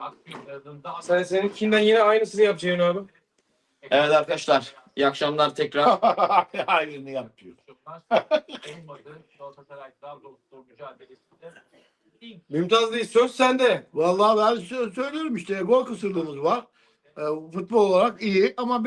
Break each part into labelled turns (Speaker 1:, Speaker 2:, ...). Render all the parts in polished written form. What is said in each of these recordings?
Speaker 1: Sen seninkinden yine aynısını yapacaksın abi.
Speaker 2: Evet arkadaşlar. İyi akşamlar tekrar.
Speaker 3: Aynını yapıyor.
Speaker 1: Mümtaz değil, söz sende.
Speaker 3: Vallahi ben söylüyorum işte gol kısırdığımız var. Futbol olarak iyi ama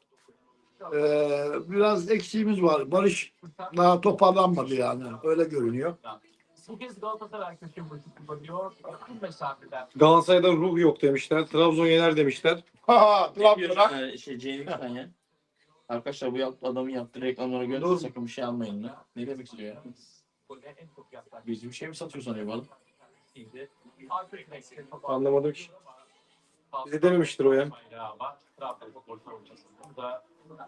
Speaker 3: biraz eksiğimiz var. Barış daha toparlanmadı yani. Öyle görünüyor.
Speaker 4: Bu kez Galatasaray köşe başı kullanıyor. Yakın mesafeden.
Speaker 1: Galatasaray'dan ruh yok demişler. Trabzon yener demişler.
Speaker 3: Trabzon'a
Speaker 2: Cengiz Han ya. Arkadaşlar bu adamın yaptığı reklamlara göre
Speaker 3: Dur.
Speaker 2: sakın bir şey almayın lan. Ne demek istiyor ya?
Speaker 4: Gole en çok yaklaşan
Speaker 2: Biz bir şey mi satıyor sanıyor bu adam?
Speaker 4: şimdi. Arka direkte topu
Speaker 1: Anlamadım ki. Bize dememiştir o ya.
Speaker 4: Ama Trabzon'da gol savunmasında da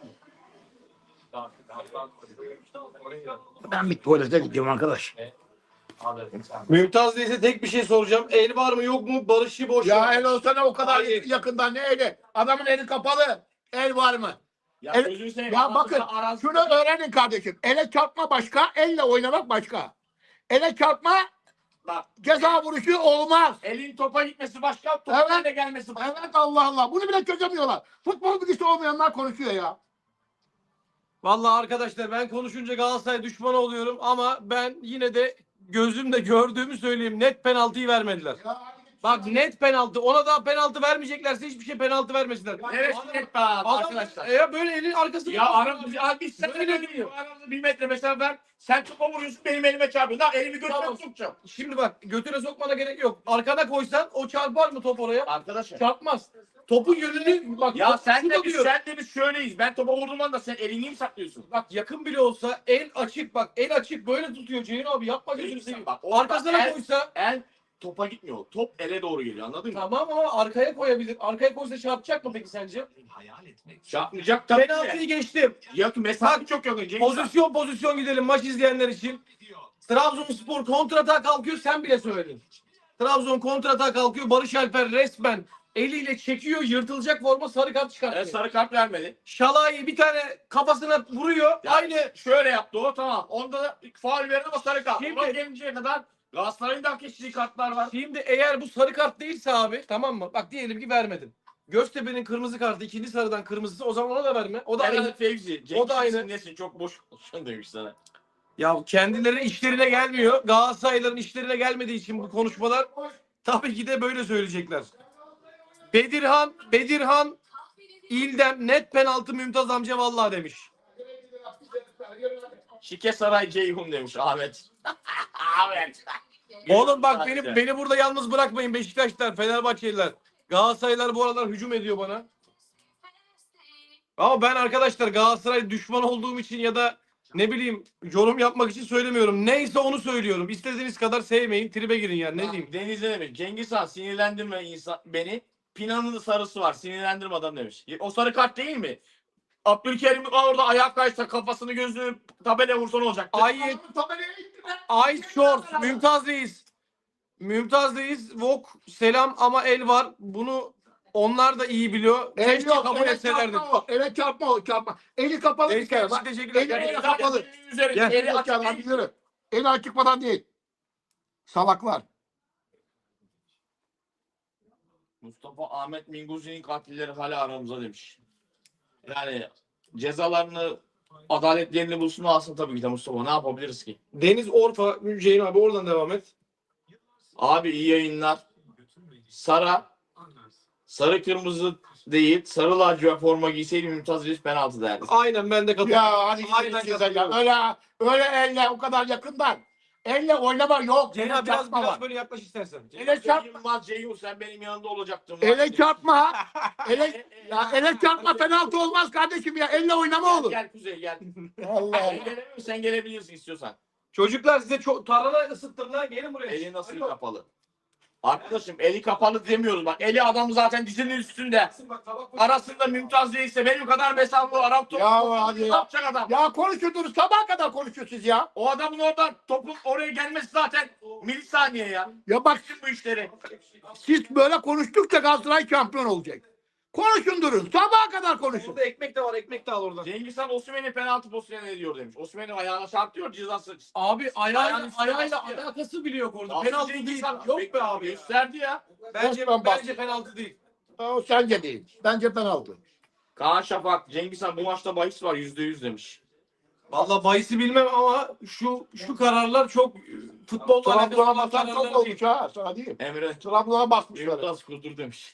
Speaker 3: ben bir tuvalete gidiyorum arkadaş.
Speaker 1: Mümtaz değilse tek bir şey soracağım. El var mı yok mu? Barış'ı boş
Speaker 3: Ya
Speaker 1: ver.
Speaker 3: el olsana o kadar
Speaker 1: Hayır.
Speaker 3: yakından ne eli? Adamın eli kapalı. El var mı?
Speaker 2: Ya
Speaker 3: El-
Speaker 2: gözünü seveyim.
Speaker 3: Ya bakın şunu öğrenin kardeşim. Ele çarpma başka, elle oynamak başka. Ele çarpma
Speaker 2: Bak.
Speaker 3: ceza vuruşu olmaz.
Speaker 2: Elin topa gitmesi başka, topun
Speaker 3: Evet.
Speaker 2: eline gelmesi başka.
Speaker 3: Evet Allah Allah. Bunu bile çözemiyorlar. Futbol bilgisi olmayanlar konuşuyor ya.
Speaker 1: Vallahi arkadaşlar ben konuşunca Galatasaray düşmanı oluyorum ama ben yine de gözümle gördüğümü söyleyeyim. Net penaltıyı vermediler. Bak net penaltı. Ona da penaltı vermeyeceklerse hiçbir şey penaltı vermesinler.
Speaker 2: Evet,
Speaker 1: Adam-
Speaker 2: net be
Speaker 1: Adam,
Speaker 2: arkadaşlar.
Speaker 1: ya böyle elin arkasında.
Speaker 2: Ya aramızda biz sen
Speaker 1: Böyle
Speaker 2: öyle biliyor. Aramızda 1 metre mesela ben sen topa vuruyorsun benim elime çarpıyorsun. Lan elimi götüme
Speaker 1: Tamam.
Speaker 2: sokacağım.
Speaker 1: Şimdi bak götüne sokmana gerek yok. Arkana koysan o çarpar mı top oraya?
Speaker 2: Arkadaşlar.
Speaker 1: Çarpmaz. Topun yönünü bak.
Speaker 2: Ya sen
Speaker 1: şurada
Speaker 2: de biz
Speaker 1: diyor.
Speaker 2: şöyleyiz. Ben topa vurduğum anda sen elini mi saklıyorsun?
Speaker 1: Bak yakın bile olsa el açık bak el açık böyle tutuyor Ceyhun abi yapma gözünü seveyim.
Speaker 2: Bak, orada
Speaker 1: Arkasına
Speaker 2: el-
Speaker 1: koysa
Speaker 2: El topa gitmiyor. Top ele doğru geliyor anladın mı?
Speaker 1: tamam ama arkaya koyabilir. Arkaya koysa çarpacak mı peki sence?
Speaker 2: Çarpmayacak tabii
Speaker 1: Penaltıyı
Speaker 2: ki.
Speaker 1: geçtim.
Speaker 2: Ya mesafe çok yakın. Cengiz Han.
Speaker 1: Pozisyon gidelim maç izleyenler için. Trabzonspor kontratağa kalkıyor sen bile söyledin. Trabzon kontratağa kalkıyor Barış Alper resmen eliyle çekiyor yırtılacak forma sarı kart çıkartıyor.
Speaker 2: Sarı kart vermedi.
Speaker 1: Şalayı bir tane kafasına vuruyor.
Speaker 2: Ya
Speaker 1: Aynı
Speaker 2: şöyle yaptı o tamam. Onda da faul verdi ama sarı kart.
Speaker 1: Şimdi-
Speaker 2: Ona gelinceye kadar Galatasaray'ın da hak ettiği kartlar var.
Speaker 1: şimdi eğer bu sarı kart değilse abi tamam mı? Bak diyelim ki vermedin. Göztepe'nin kırmızı kartı ikinci sarıdan kırmızısı o zaman ona da verme. O da aynı.
Speaker 2: Herhalde Fevzi.
Speaker 1: O da aynı.
Speaker 2: Nesin çok boş konuşan demiş sana.
Speaker 1: Ya kendilerinin işlerine gelmiyor. Galatasaraylıların işlerine gelmediği için bu konuşmalar tabii ki de böyle söyleyecekler. Bedirhan İldem net penaltı Mümtaz amca vallahi demiş.
Speaker 2: Şike Saray Ceyhun demiş Ahmet. Ahmet.
Speaker 1: Oğlum bak beni burada yalnız bırakmayın Beşiktaşlar, Fenerbahçeliler. Galatasaraylılar bu aralar hücum ediyor bana. Ama ben arkadaşlar Galatasaray düşman olduğum için ya da ne bileyim yorum yapmak için söylemiyorum. Neyse onu söylüyorum. İstediğiniz kadar sevmeyin, tribe girin yani ne diyeyim.
Speaker 2: Deniz ne demiş? Cengiz Han sinirlendirme beni. Pinanın sarısı var. Sinirlendirme adam demiş. O sarı kart değil mi? Abdülkerim orada ayak kaysa kafasını gözünü tabela vursa ne olacak?
Speaker 1: Ice Shorts, Mümtaz'dayız. Vok selam ama el var. Bunu onlar da iyi biliyor.
Speaker 3: El
Speaker 1: Keşke
Speaker 3: yok.
Speaker 1: kabul
Speaker 3: Ele
Speaker 1: etselerdi.
Speaker 3: çarpma o. Ele çarpma. Eli kapalı bir kere. Bak.
Speaker 1: Teşekkürler.
Speaker 3: Eli
Speaker 2: Yani
Speaker 3: kapalı.
Speaker 2: üzerinde
Speaker 1: Gel.
Speaker 2: eli açık
Speaker 3: Açık
Speaker 2: değil.
Speaker 3: değil. Eli açık falan değil. Salaklar.
Speaker 2: Mustafa Ahmet Minguzi'nin katilleri hala aramızda demiş. Yani cezalarını adaletlerini bulsun alsın tabii ki de Mustafa. Ne yapabiliriz ki?
Speaker 1: Deniz Orfa, Ceyhun abi oradan devam et.
Speaker 2: Abi iyi yayınlar. Sarı kırmızı değil. Sarı lacivert forma giyseydi Mümtaz Reis penaltı derdi.
Speaker 1: Aynen ben de katılıyorum.
Speaker 3: Ya hadi
Speaker 1: Aynen
Speaker 3: size
Speaker 1: katılıyorum.
Speaker 3: ya. Öyle elle o kadar yakından. Elle oynama yok.
Speaker 1: Ceyhun
Speaker 3: Ele
Speaker 1: abi biraz
Speaker 3: çarpma var.
Speaker 1: böyle yaklaş istersen.
Speaker 3: Ele çarpma.
Speaker 2: Yılmaz Ceyhun sen benim yanında olacaktın.
Speaker 3: Ele çarpma. Ele çarpma penaltı olmaz kardeşim ya. Elle oynama olur.
Speaker 2: Gel Kuzey gel.
Speaker 3: Allah.
Speaker 2: Sen gelemiyor musun? Sen gelebilirsin istiyorsan.
Speaker 1: Çocuklar size çok tarhana ısıttım lan gelin buraya.
Speaker 2: Eli nasıl kapalı? Arkadaşım eli kapalı demiyoruz bak. Eli adam zaten dizinin üstünde.
Speaker 1: Bak, tabak koy.
Speaker 2: Arasında Mümtaz değilse benim kadar mesafe var. Arap topu.
Speaker 3: Ya hadi
Speaker 2: Ne
Speaker 3: ya.
Speaker 2: yapacak adam?
Speaker 3: Ya konuşuyordunuz sabaha kadar konuşuyorsunuz ya.
Speaker 2: O adamın oradan topun oraya gelmesi zaten milisaniye ya.
Speaker 3: Ya bak
Speaker 2: Bütün bu işleri.
Speaker 3: siz böyle konuştukça Galatasaray şampiyon olacak. Konuşun durun. Sabaha kadar konuşun.
Speaker 1: Orada ekmek de var. Ekmek de al oradan.
Speaker 2: Cengiz Han Osimhen'in penaltı pozisyonu ne diyor demiş. Osimhen'in ayağına çarptıyor cezası.
Speaker 1: Abi
Speaker 2: Ayağın
Speaker 1: ayağıyla
Speaker 2: üstüne
Speaker 1: alakası bile yok orada.
Speaker 2: Asıl
Speaker 1: Penaltı
Speaker 2: Cengiz
Speaker 1: değil.
Speaker 2: Han
Speaker 1: Yok be abi.
Speaker 2: gösterdi ya.
Speaker 1: Bence
Speaker 3: Osman bak.
Speaker 1: penaltı değil.
Speaker 3: O sence değil. Bence penaltı.
Speaker 2: Kaan Şafak, Cengiz Han bu maçta bahis var %100 demiş.
Speaker 1: Vallahi bahisi bilmem ama şu kararlar çok futbolla alakası
Speaker 3: Trabzon'a
Speaker 1: olan
Speaker 3: basan çok
Speaker 1: kararlar değil.
Speaker 3: olmuş ha. Sana diyeyim.
Speaker 2: Emre
Speaker 3: Trabzon'a basmışlar.
Speaker 2: Mümtaz Kurdur demiş.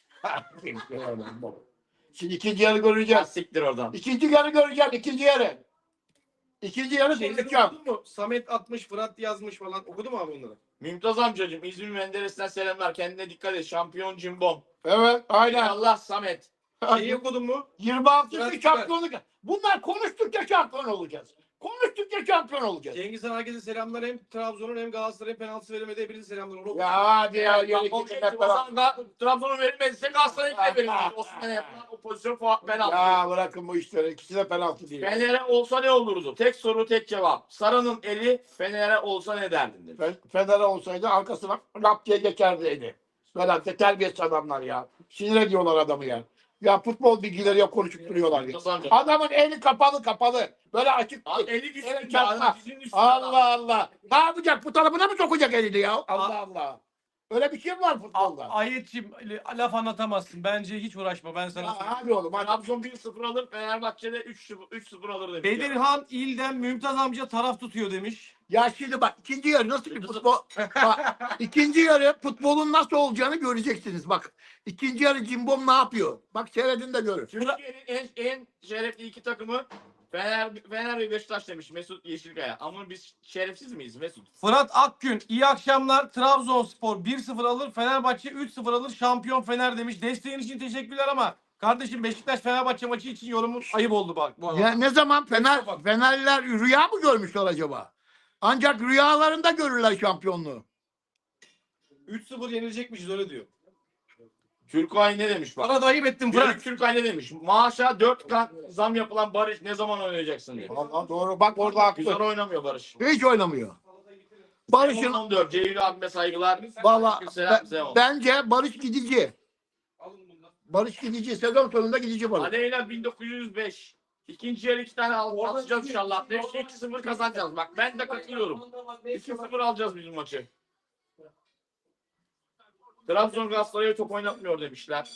Speaker 3: Şimdi ikinci yarı
Speaker 2: Ya
Speaker 3: göreceğiz.
Speaker 2: siktir oradan.
Speaker 3: İkinci yarı göreceğim. İkinci yarı. İkinci yarı
Speaker 1: Şeyleri
Speaker 3: konuşacağım.
Speaker 1: okudun mu? Samet atmış, Fırat yazmış falan. Okudun mu abi bunları?
Speaker 2: Mümtaz amcacığım İzmir Menderes'ten selamlar. Kendine dikkat et. Şampiyon cimbom.
Speaker 3: Evet aynen.
Speaker 2: Allah Samet.
Speaker 1: Şeyi okudun mu?
Speaker 3: 26.
Speaker 1: Fırat
Speaker 3: şampiyonluk. Bunlar konuştukça şampiyon olacağız. Konuştukça şampiyon olacağız.
Speaker 1: Cengiz Han herkese selamlar. Hem Trabzon'un hem Galatasaray'ın penaltısı veremedi. Hepinize selamlar. Onu
Speaker 3: Ya hadi ya.
Speaker 2: Bak,
Speaker 3: Yürü
Speaker 2: o
Speaker 3: git
Speaker 2: şey,
Speaker 3: hep
Speaker 2: o
Speaker 3: beraber.
Speaker 2: zaman da Trabzon'un verilmezse Galatasaray'a verilmez. Osman'a yapılan o pozisyon penaltı.
Speaker 3: Ya bırakın bu işleri. İkisi de penaltı değil.
Speaker 2: Fener'e olsa ne olurdu? Tek soru tek cevap. Sarı'nın eli Fener'e olsa ne derdin demiş.
Speaker 3: Fener'e olsaydı arkasına rap diye geçerdiydi. Böyle de terbiyesiz adamlar ya. Sinir ediyorlar adamı ya. Ya futbol bilgileri yok konuşup duruyorlar ya.
Speaker 2: Mümtaz amca.
Speaker 3: Adamın eli kapalı. Böyle açık
Speaker 2: Abi
Speaker 3: değil.
Speaker 2: eli
Speaker 3: Evet,
Speaker 2: düştü.
Speaker 3: çarpma.
Speaker 2: Adam dizinin üstüne.
Speaker 3: Allah Allah. Ne yapacak? Bu tarafına mı sokacak elini ya? Allah Allah. Öyle bir şey mi var futbolda?
Speaker 1: Ayetçim laf anlatamazsın. Bence hiç uğraşma. Ben sana
Speaker 3: Ya,
Speaker 1: söyleyeyim.
Speaker 3: hadi oğlum hadi.
Speaker 2: Trabzon 1-0 alır. Fenerbahçe'de 3-0 alır demiş.
Speaker 1: Bedirhan İlden Mümtaz amca taraf tutuyor demiş.
Speaker 3: Ya şimdi bak ikinci yarı nasıl bir futbol? Bak, ikinci yarı futbolun nasıl olacağını göreceksiniz. Bak ikinci yarı Cimbom ne yapıyor? Bak seyredin de görün.
Speaker 2: Türkiye'nin en şerefli iki takımı Fener ve Beşiktaş demiş Mesut Yeşilkaya. Ama biz şerefsiz miyiz Mesut?
Speaker 1: Fırat Akgün iyi akşamlar. Trabzonspor 1-0 alır. Fenerbahçe 3-0 alır. Şampiyon Fener demiş. Desteğin için teşekkürler ama kardeşim Beşiktaş Fenerbahçe maçı için yorumun ayıp oldu bak. Bu arada.
Speaker 3: Ya ne zaman Fenerliler rüya mı görmüşler acaba? Ancak rüyalarında görürler şampiyonluğu.
Speaker 1: 3-0 yenilecekmişiz öyle diyor.
Speaker 2: Türkay ne demiş bak.
Speaker 1: Bana da ayıp ettin Fırat.
Speaker 2: Fırat Türkay ne demiş? Maaşa 4 kat zam yapılan Barış ne zaman oynayacaksın diye.
Speaker 3: Allah doğru bak orada
Speaker 2: Güzel
Speaker 3: haklı.
Speaker 2: oynamıyor Barış.
Speaker 3: Hiç oynamıyor. Barış'ın
Speaker 2: 14 Ceylül abime saygılar.
Speaker 3: valla
Speaker 2: Selam selam.
Speaker 3: bence Barış gidici. Barış gidici. Sezon sonunda gidici Barış.
Speaker 2: Aleyna 1905. İkinci yarı 2 tane atacağız inşallah. Demiş ki 2-0 kazanacağız. Bak ben de katılıyorum. 2-0 alacağız bizim maçı. Trabzon Galatasaray'a top oynatmıyor demişler.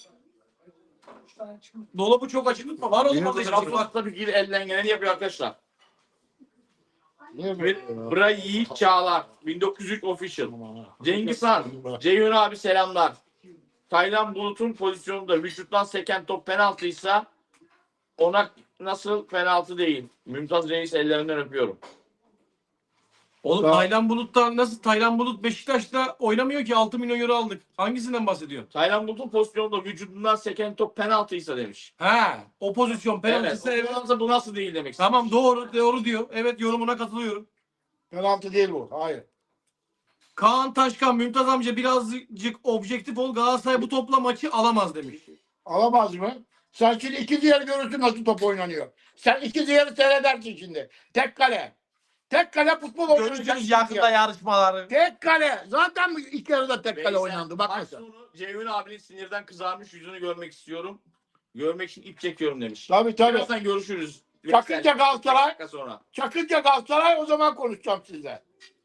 Speaker 1: Dolabı çok açık tutma. Var oğlum orada
Speaker 2: Trabzon
Speaker 1: işte.
Speaker 2: tabii ki elden geleni yapıyor arkadaşlar.
Speaker 3: Niye
Speaker 2: Brayi Çağlar 1903 official. Cengiz Han, Ceyhun abi selamlar. Taylan Bulut'un pozisyonunda vücuttan seken top penaltıysa ona nasıl penaltı değil. Mümtaz Reis ellerinden öpüyorum.
Speaker 1: Oğlum
Speaker 3: Tamam.
Speaker 1: Taylan Bulut'tan nasıl? Taylan Bulut Beşiktaş'ta oynamıyor ki 6 milyon euro aldık. Hangisinden bahsediyorsun?
Speaker 2: Taylan Bulut'un pozisyonunda vücudundan seken top penaltıysa demiş.
Speaker 1: He, o pozisyon
Speaker 2: Evet.
Speaker 1: penaltısı evet.
Speaker 2: Bu nasıl değil demek.
Speaker 1: Tamam doğru diyor. Evet yorumuna katılıyorum.
Speaker 3: Penaltı değil bu. Hayır.
Speaker 1: Kaan Taşkan, Mümtaz amca birazcık objektif ol. Galatasaray bu topla maçı alamaz demiş.
Speaker 3: Alamaz mı? Sen şimdi ikinci yarı görürsün nasıl top oynanıyor. Sen ikinci yarı seyredersin şimdi. Tek kale. Tek kale futbol oynanacak.
Speaker 1: Görüşürüz yakında yarışmaları.
Speaker 3: Tek kale. Zaten ilk yarıda tek kale
Speaker 2: Veysel,
Speaker 3: oynandı. Bak
Speaker 2: maç
Speaker 3: mesela.
Speaker 2: sonu Ceyhun abinin sinirden kızarmış yüzünü görmek istiyorum. Görmek için ip çekiyorum demiş.
Speaker 3: Tabii tabii.
Speaker 2: Birazdan görüşürüz.
Speaker 3: Çakınca Galatasaray.
Speaker 2: Bir dakika sonra.
Speaker 3: Çakınca Galatasaray o zaman konuşacağım sizle.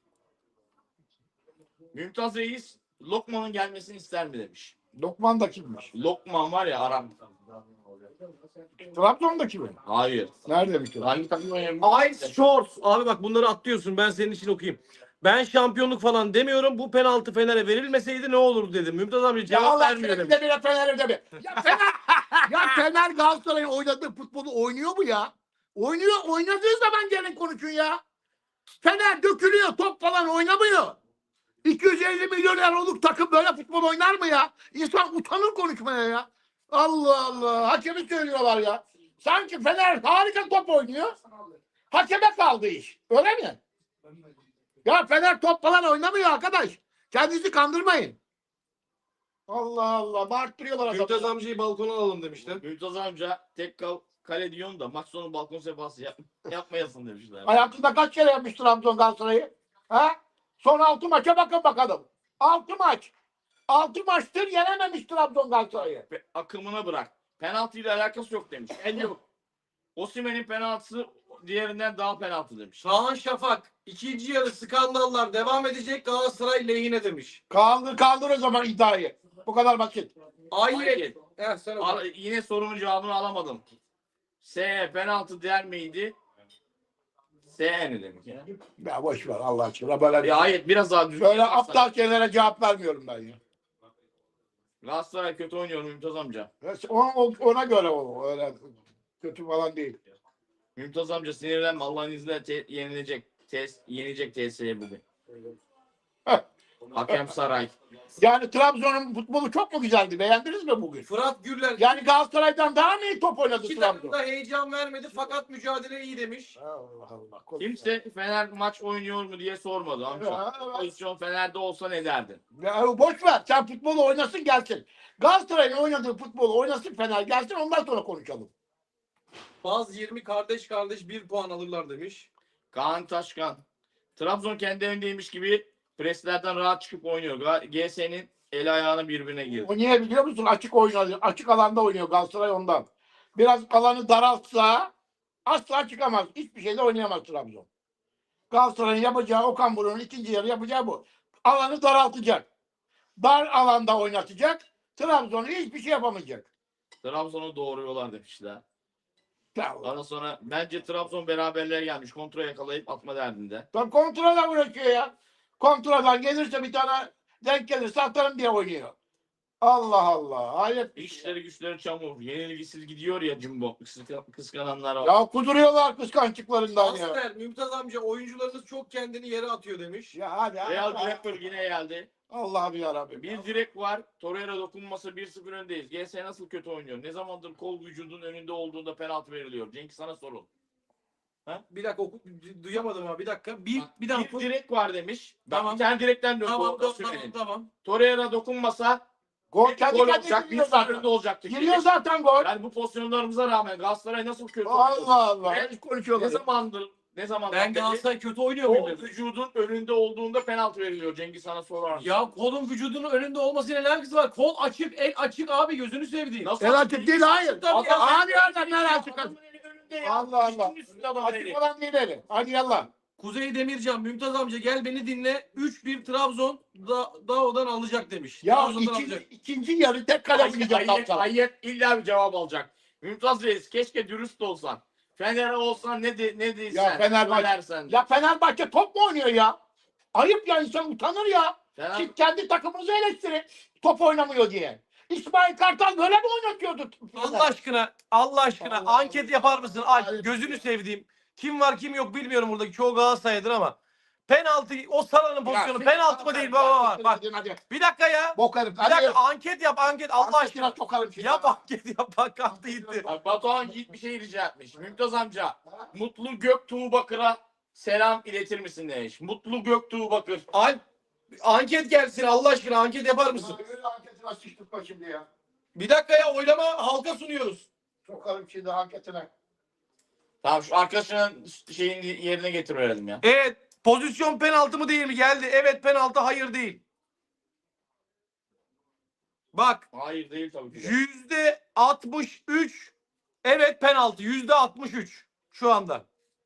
Speaker 2: Mümtaz Reis Lokman'ın gelmesini ister mi demiş.
Speaker 3: Lokman da kimmiş?
Speaker 2: Lokman var ya Arap.
Speaker 3: Trabzon'daki mi?
Speaker 2: Hayır.
Speaker 3: Neredeymiş o?
Speaker 2: Hangi takım oynuyor?
Speaker 1: Ice Shorts. Abi bak bunları atlıyorsun. Ben senin için okuyayım. Ben şampiyonluk falan demiyorum. Bu penaltı Fener'e verilmeseydi ne olurdu dedim. Mümtaz amca
Speaker 3: Ya
Speaker 1: cevap
Speaker 3: Allah
Speaker 1: vermiyor
Speaker 3: aşkına
Speaker 1: demiş.
Speaker 3: bir de Fener'e de bir. Ya Fener, ya Fener Galatasaray'ın oynadığı futbolu oynuyor mu ya? Oynuyor. Oynadığı zaman gelin konuşun ya. Fener dökülüyor. Top falan oynamıyor. 250 milyon euroluk takım böyle futbol oynar mı ya? İnsan utanır konuşmaya ya. Allah Allah. Hakemi söylüyorlar ya. Sanki Fener harika top oynuyor. Hakeme kaldı iş. Öyle mi? Ya Fener top falan oynamıyor arkadaş. Kendinizi kandırmayın. Allah Allah. Bağırttırıyorlar adamı.
Speaker 1: Mümtaz amcayı balkona alalım demişler.
Speaker 2: Mümtaz amca tek kale diyorsun da maç sonu balkon sefası yapmayasın demişler.
Speaker 3: Hayatında kaç kere yapmış Trabzon Galatasaray'ı? Ha? Son 6 maça bakın bakalım. 6 maç. 6 maçtır yenememiş Trabzon Galatasaray'ı.
Speaker 2: Akımına bırak. penaltıyla alakası yok demiş. El yok. Osimhen'in penaltısı diğerinden daha penaltı demiş.
Speaker 1: Kaan Şafak ikinci yarı skandallar devam edecek Galatasaray lehine demiş.
Speaker 3: Kaldır o zaman iddiayı. Bu kadar basit.
Speaker 1: Ayrı. Sen oku.
Speaker 2: Yine sorumun cevabını alamadım. S penaltı der miydi? S ne demek ya?
Speaker 3: Ya boş ver Allah aşkına. Böyle,
Speaker 2: Ya hayır biraz daha düzgün.
Speaker 3: böyle
Speaker 2: yaparsan.
Speaker 3: aptal şeylere cevap vermiyorum ben ya.
Speaker 2: Galatasaray kötü oynuyor Mümtaz amca.
Speaker 3: Ona göre o. Öyle kötü falan değil.
Speaker 2: Mümtaz amca sinirlenme. Allah'ın izniyle yenecek TS'ye bugün.
Speaker 3: Heh.
Speaker 2: Hakem Saray.
Speaker 3: Yani Trabzon'un futbolu çok mu güzeldi? Beğendiniz mi bugün?
Speaker 1: Fırat Gürler
Speaker 3: Yani Galatasaray'dan daha mı iyi top oynadı
Speaker 1: iki
Speaker 3: Trabzon?
Speaker 1: takım da heyecan vermedi fakat mücadele iyi demiş.
Speaker 3: Allah Allah.
Speaker 2: Kimse Fener maç oynuyor mu diye sormadı amca.
Speaker 3: Ya, evet.
Speaker 2: Pozisyon Fener'de olsa ne derdin?
Speaker 3: Ya boş ver. Sen futbolu oynasın gelsin. Galatasaray'ın oynadığı futbolu oynasın Fener gelsin ondan sonra konuşalım.
Speaker 1: Baz 20 kardeş 1 puan alırlar demiş.
Speaker 2: Kaan Taşkan. Trabzon kendi evindeymiş gibi preslerden rahat çıkıp oynuyor. GS'nin el ayağını birbirine girdi.
Speaker 3: O niye biliyor musun? Açık oynuyor. Açık alanda oynuyor Galatasaray ondan. Biraz alanı daraltsa asla çıkamaz. Hiçbir şeyde oynayamaz Trabzon. Galatasaray'ın yapacağı Okan Buruk'un ikinci yarı yapacağı bu. Alanı daraltacak. Dar alanda oynatacak. Trabzon hiçbir şey yapamayacak.
Speaker 2: Trabzon'u doğuruyorlar demişler.
Speaker 3: Ya,
Speaker 2: Ondan sonra bence Trabzon beraberliğe gelmiş. Kontra yakalayıp atma derdinde.
Speaker 3: Tam kontradan uğraşıyor ya. Kontradan gelirse bir tane denk gelirse atarım diye oynuyor. Allah Allah. Hayret.
Speaker 2: İşleri güçleri çamur. Yenilgisiz gidiyor ya Jumbo. Kıskananlar var.
Speaker 3: Ya kuduruyorlar kıskançlıklarından ya.
Speaker 1: Aster Mümtaz amca oyuncularınız çok kendini yere atıyor demiş.
Speaker 3: Ya hadi.
Speaker 2: Real Director yine geldi.
Speaker 3: Allah'ım yarabbim.
Speaker 2: Bir direk var. Torreira dokunmasa 1-0 öndeyiz. GS nasıl kötü oynuyor? Ne zamandır kol vücudun önünde olduğunda penaltı veriliyor? Cenk sana sorun.
Speaker 1: Bir dakika duyamadım abi bir dakika. Bir
Speaker 2: Bir
Speaker 1: dakika.
Speaker 2: direk var demiş. Bak
Speaker 1: Tamam.
Speaker 2: bir tane direkten döndü.
Speaker 1: Tamam
Speaker 2: Osimhen'in.
Speaker 1: tamam.
Speaker 2: Torreira dokunmasa
Speaker 3: Gol
Speaker 2: gol
Speaker 3: kendi
Speaker 2: olacak.
Speaker 3: kendine giriyor
Speaker 2: 1-0
Speaker 3: zaten.
Speaker 2: önde olacaktı.
Speaker 3: Giriyor zaten gol.
Speaker 2: Yani bu pozisyonlarımıza rağmen Galatasaray nasıl kötü oynuyor?
Speaker 3: Allah Allah.
Speaker 2: Ne
Speaker 3: Hiç konuşuyorlar.
Speaker 2: Ne zamandır
Speaker 1: Ben
Speaker 2: beri
Speaker 1: Galatasaray kötü oynuyor
Speaker 2: kol
Speaker 1: muyum?
Speaker 2: vücudun önünde olduğunda penaltı veriliyor. Cengiz sana sorar mısın?
Speaker 1: Ya kolun vücudunun önünde olmasıyla ne alakası var? Kol açık, el açık abi gözünü sevdiğim.
Speaker 2: Nasıl?
Speaker 3: El açık değil hayır.
Speaker 1: Tabii ya.
Speaker 3: Hadi yerden nereye açık?
Speaker 2: Adamın eli önünde ya.
Speaker 3: Allah Allah.
Speaker 2: Üstün üstünde adamın eli.
Speaker 3: Açık olan değil eli. Hadi yallah.
Speaker 1: Kuzey Demircan, Mümtaz amca gel beni dinle. 3-1 Trabzon Dao'dan alacak demiş.
Speaker 3: Ya
Speaker 1: Trabzon'dan alacak.
Speaker 3: ikinci yarı tek kale oynayacak Galatasaray.
Speaker 2: Hayır illa bir cevap alacak. Mümtaz Reis keşke dürüst olsan. Fener olsan ne değilsen.
Speaker 3: Ya Fenerbahçe-
Speaker 2: Söylersen.
Speaker 3: Ya Fenerbahçe top mu oynuyor ya? Ayıp ya insan utanır ya.
Speaker 2: Fener-
Speaker 3: Siz kendi takımınızı eleştirin. Top oynamıyor diye. İsmail Kartal böyle mi oynatıyordu?
Speaker 1: Allah aşkına
Speaker 3: Allah
Speaker 1: anket
Speaker 3: Allah.
Speaker 1: yapar mısın?
Speaker 3: Hayır.
Speaker 1: Gözünü sevdiğim. Kim var kim yok bilmiyorum buradaki çoğu Galatasaray'dır ama. Penaltı o Salah'ın pozisyonu penaltı mı değil baba bak.
Speaker 3: Hadi.
Speaker 1: Bir dakika ya.
Speaker 3: Bok herif.
Speaker 1: Bir dakika anket yap anket Allah aşkına.
Speaker 3: Sokarım şimdi.
Speaker 1: Yap anket yap bak kalktı gitti.
Speaker 2: Bak Batuhan Yiğit bir şey rica etmiş. Mümtaz amca Mutlu Göktuğ Bakır'a selam iletir misin demiş. Mutlu Göktuğ Bakır.
Speaker 1: Alp anket gelsin Allah aşkına anket yapar mısın?
Speaker 3: Öyle anketine sıçtıkma şimdi ya.
Speaker 1: Bir dakika ya oylama halka sunuyoruz.
Speaker 3: Sokarım şimdi anketine.
Speaker 2: Tamam şu arkadaşının şeyin yerine getirelim ya.
Speaker 1: Evet pozisyon penaltı mı değil mi geldi. Evet penaltı hayır değil. Bak
Speaker 2: Hayır değil tabii ki de.
Speaker 1: %63 evet penaltı %63 şu anda.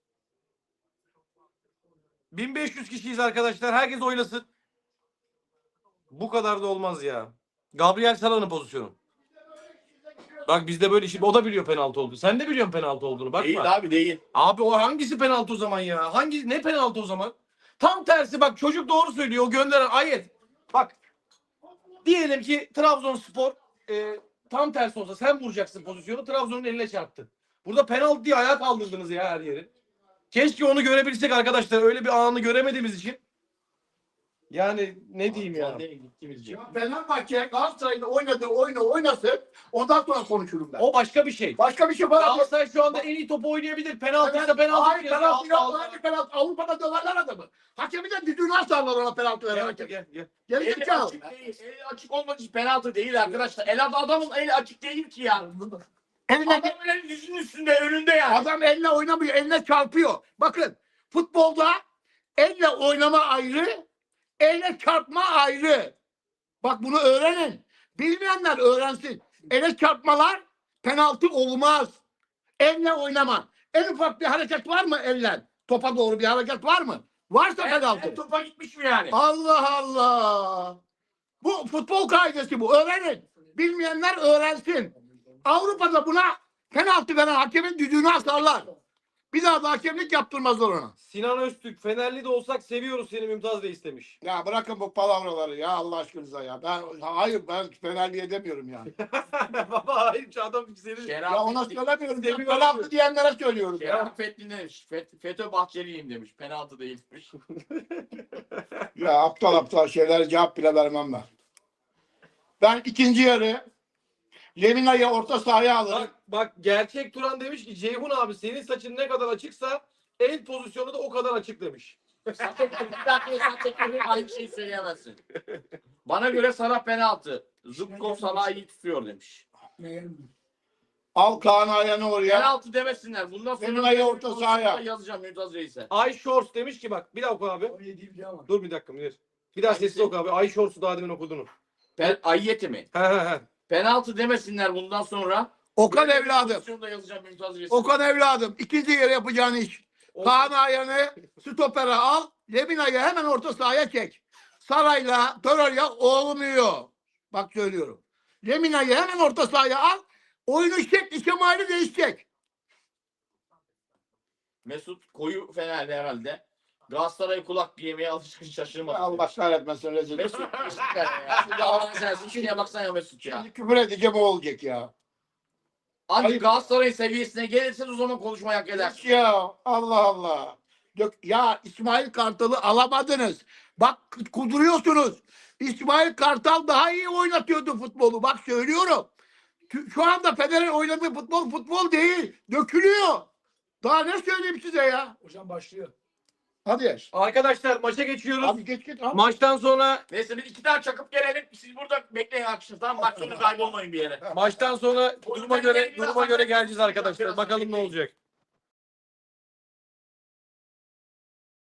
Speaker 1: 1500 kişiyiz arkadaşlar. Herkes oylasın. Bu kadar da olmaz ya. Gabriel Salah'ın pozisyonu. Bak bizde böyle şimdi o da biliyor penaltı olduğunu. Sen de biliyorsun penaltı olduğunu. Bakma.
Speaker 2: Değil abi değil.
Speaker 1: Abi o hangisi penaltı o zaman ya? Ne penaltı o zaman? Tam tersi bak çocuk doğru söylüyor. O gönderen ayet. Bak diyelim ki Trabzonspor tam tersi olsa sen vuracaksın pozisyonu Trabzon'un eline çarptı. Burada penaltı diye ayağa kaldırdınız ya her yeri. Keşke onu görebilsek arkadaşlar. Öyle bir anı göremediğimiz için. Yani ne diyeyim ya.
Speaker 3: Ya Fenerbahçe Galatasaray'ın oynadığı oyunu oynasın. Ondan sonra konuşurum ben.
Speaker 1: O başka bir şey.
Speaker 3: Başka bir şey falan.
Speaker 1: Galatasaray şu anda en iyi topu oynayabilir. Penaltıysa penaltı.
Speaker 3: Hayır penaltı yok. Öyle penaltı. Avrupa'da döverler adamı. Hakemi de düdüğünü asarlar ona penaltı veren hakem.
Speaker 1: Gel.
Speaker 3: Geri
Speaker 2: Eli
Speaker 3: zekalı.
Speaker 2: açık değil. Eli açık olmadığı için penaltı değil arkadaşlar. Adamın eli açık değil ki ya.
Speaker 3: Eline,
Speaker 2: Adamın eli dizinin üstünde önünde yani.
Speaker 3: adam elle oynamıyor. Eline çarpıyor. Bakın futbolda elle oynama ayrı. Elle çarpma ayrı. Bak bunu öğrenin. Bilmeyenler öğrensin. Elle çarpmalar penaltı olmaz. Elle oynama. En ufak bir hareket var mı elle? Topa doğru bir hareket var mı? Varsa penaltı.
Speaker 2: Topa gitmiş mi yani?
Speaker 3: Allah Allah. Bu futbol kaidesi bu. Öğrenin. Bilmeyenler öğrensin. Avrupa'da buna penaltı veren hakemin düdüğünü asarlar. Bir daha da hakemlik yaptırmazlar ona.
Speaker 1: Sinan Öztürk, Fenerli de olsak seviyoruz seni Mümtaz Reis demiş.
Speaker 3: Ya bırakın bu palavraları ya Allah aşkınıza ya. Ben Fenerliye demiyorum yani.
Speaker 1: Baba hayır adam seni...
Speaker 3: Ya ona söylemiyorum. Ben
Speaker 1: Seviyorum.
Speaker 3: penaltı diyenlere söylüyorum ya.
Speaker 2: Şeraf Fethin demiş. FETÖ Bahçeliyim demiş. Penaltı değilmiş.
Speaker 3: Ya aptal şeylere cevap bile vermem ben. Ben ikinci yarı Lemina'yı orta sahaya alırım.
Speaker 1: Bak gerçek Turan demiş ki Ceyhun abi senin saçın ne kadar açıksa el pozisyonu da o kadar açık demiş.
Speaker 2: Aynı şeyi söyleyemezsin. Bana göre Salah penaltı. Zubkov Salah'ı iyi tutuyor demiş.
Speaker 3: Al Kaan Ayhan'ı oraya.
Speaker 2: Penaltı demesinler. Bundan sonra
Speaker 3: Lemina'yı orta sahaya.
Speaker 2: yazacağım Mümtaz Reis'e.
Speaker 1: Ay Shorts demiş ki bak bir daha oku abi. Dur bir dakika Münir. Bir daha sesli oku abi. Ay Shorts'u daha demin okudun.
Speaker 2: Ayyeti mi?
Speaker 1: He.
Speaker 2: Penaltı demesinler bundan sonra.
Speaker 3: Okan
Speaker 2: Böyle bir
Speaker 3: evladım.
Speaker 2: pozisyonda yazacağım Mümtaz Reis'e.
Speaker 3: Okan evladım. İkinci yarı yapacağın iş. Kaan Ayhan'ı stopere al. Lemina'yı hemen orta sahaya çek. Sarayla Torreira olmuyor. Bak söylüyorum. Lemina'yı hemen orta sahaya al. Oyunu şekli şemali değişecek.
Speaker 2: Mesut koyu Fener'de herhalde. Galatasaray kulak yemeye alışkın şaşırmaz.
Speaker 3: Allah kahretmesin rezil.
Speaker 2: Mesut ya. Şimdi Allah'ın sensin. Şuraya baksana ya Mesut ya.
Speaker 3: Şimdi küfür edeceğim o olacak ya.
Speaker 2: Ancak Galatasaray'ın seviyesine gelirsen o zaman konuşmayı hak edersin.
Speaker 3: Ya Allah Allah. Ya İsmail Kartal'ı alamadınız. Bak kuduruyorsunuz. İsmail Kartal daha iyi oynatıyordu futbolu. Bak söylüyorum. Şu anda Fener'in oynadığı futbol değil. Dökülüyor. Daha ne söyleyeyim size ya?
Speaker 4: Hocam başlıyor.
Speaker 3: Hadi.
Speaker 1: Arkadaşlar maça geçiyoruz.
Speaker 3: Abi geç. Abi.
Speaker 1: Maçtan sonra
Speaker 2: Neyse biz iki tane çakıp gelelim. Siz burada bekleyin akşam. Tamam maç sonu kaybolmayın bir yere.
Speaker 1: duruma göre geleceğiz arkadaşlar. Bakalım ne olacak.